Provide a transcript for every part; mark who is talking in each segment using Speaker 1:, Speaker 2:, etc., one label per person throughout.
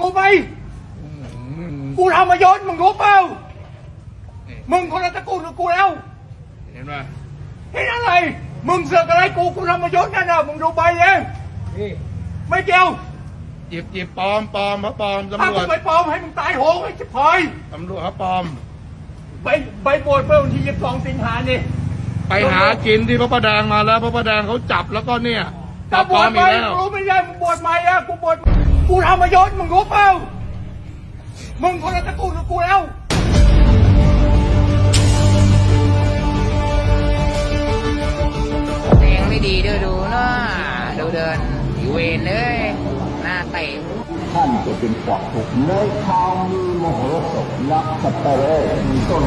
Speaker 1: รู้ไหมกูทำมายศมึงรู้เปล่ามึงคนละตระกูลกับกูแล้ว
Speaker 2: เห็นไหม
Speaker 1: เห็นอะไรมึงเสือกอะไรกูทำมายศนั่นน่ะมึงดูใบเองไม่เกี่ยว
Speaker 2: หยิบปลอมเขาปลอมตำรวจ
Speaker 1: ถ้ากูไปปลอมให้มึงตายโหงไอ้ชิบหาย
Speaker 2: ตำรวจเขาปลอม
Speaker 1: ใบโปรดเมื่อวันที่22 สิงหานี่
Speaker 2: ไปหากินที่พระประแดงมาแล้วพระประแดงเขาจับแล้วก็เนี่ย
Speaker 1: ถ้าบวชไปรู้ไม่ได้มึงบวชใหม่อะกูบวชกูทำมายศมึงรู้เปล่ามึงคนละตระกูลกับกูแล้ว
Speaker 3: แดงไม่ดีด้วยดูเนาะดูเดินอยู่เวรเลยหน้าเตะ
Speaker 4: ท่านจะเป็นปอกถูกเลยข่าวมีโมโหสพรักสัตว์เลยมีต้น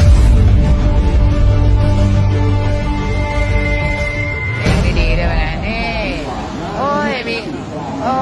Speaker 3: แดงไม่ดีด้วยไงนี่โอ้ยมีโอ้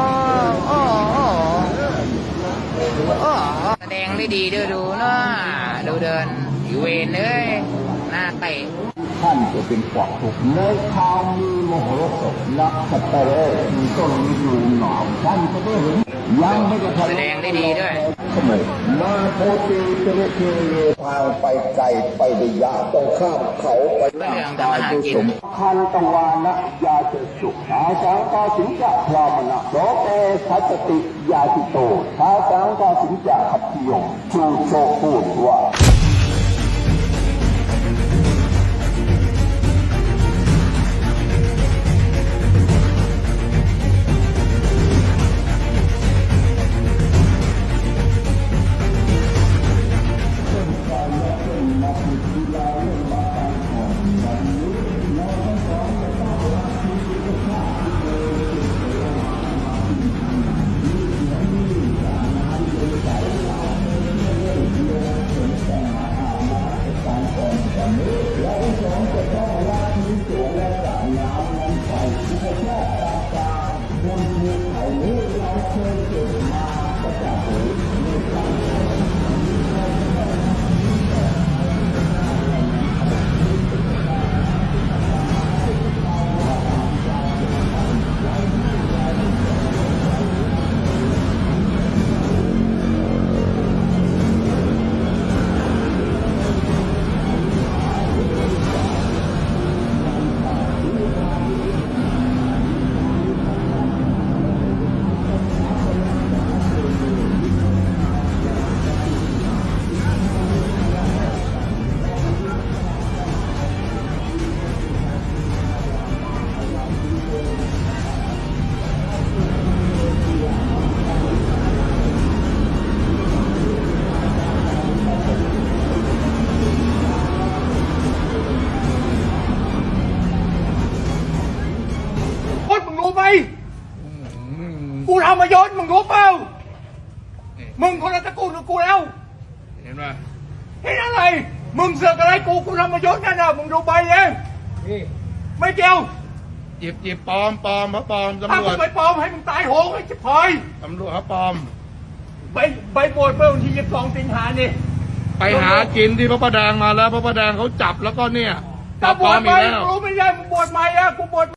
Speaker 3: แดงไม่ดีด้วยดูเนาะดูเดินอยู่เวรเลยหน้าเตะ
Speaker 4: ท่านจะเป็นปอกถูกเลยข่าวมีโมโหสพรักสัตว์เลยมีต้นอยู่หนาวท่านจะได้เห็นยังไม่ได้
Speaker 3: แสดงได้ดีด้วย
Speaker 4: มาโพธิเจริญเททางไปไกลไปได้ยากต้องข้ามเขาไปตายด้วยสมคันตังวานะยาจะสุขอาสังกาสิงจะพรามนะโสเตทัตติยาติโตอาสังกาสิงจะขับพิยงชูโชพูดว่า
Speaker 1: กูทำมายศมึงรู้เปล่ามึงคนละตระกูลกับกูแล้ว
Speaker 2: เห็นไหม
Speaker 1: เห็นอะไรมึงเสือกอะไรกูทำมายศนั่นน่ะมึงดูใบเองไม่เกี่ยว
Speaker 2: หยิบปลอมเขาปลอมตำรวจ
Speaker 1: ถ้ากูไปปลอมให้มึงตายโหงไอ้ชิบหาย
Speaker 2: ตำรวจเขาปลอม
Speaker 1: ใบโปรดเมื่อวันที่22 สิงหานี่
Speaker 2: ไปหากินที่พระประแดงมาแล้วพระประแดงเขาจับแล้วก็เนี่ย
Speaker 1: ถ้าบวชไปรู้ไม่ได้มึงบวชใหม่อะกูบวช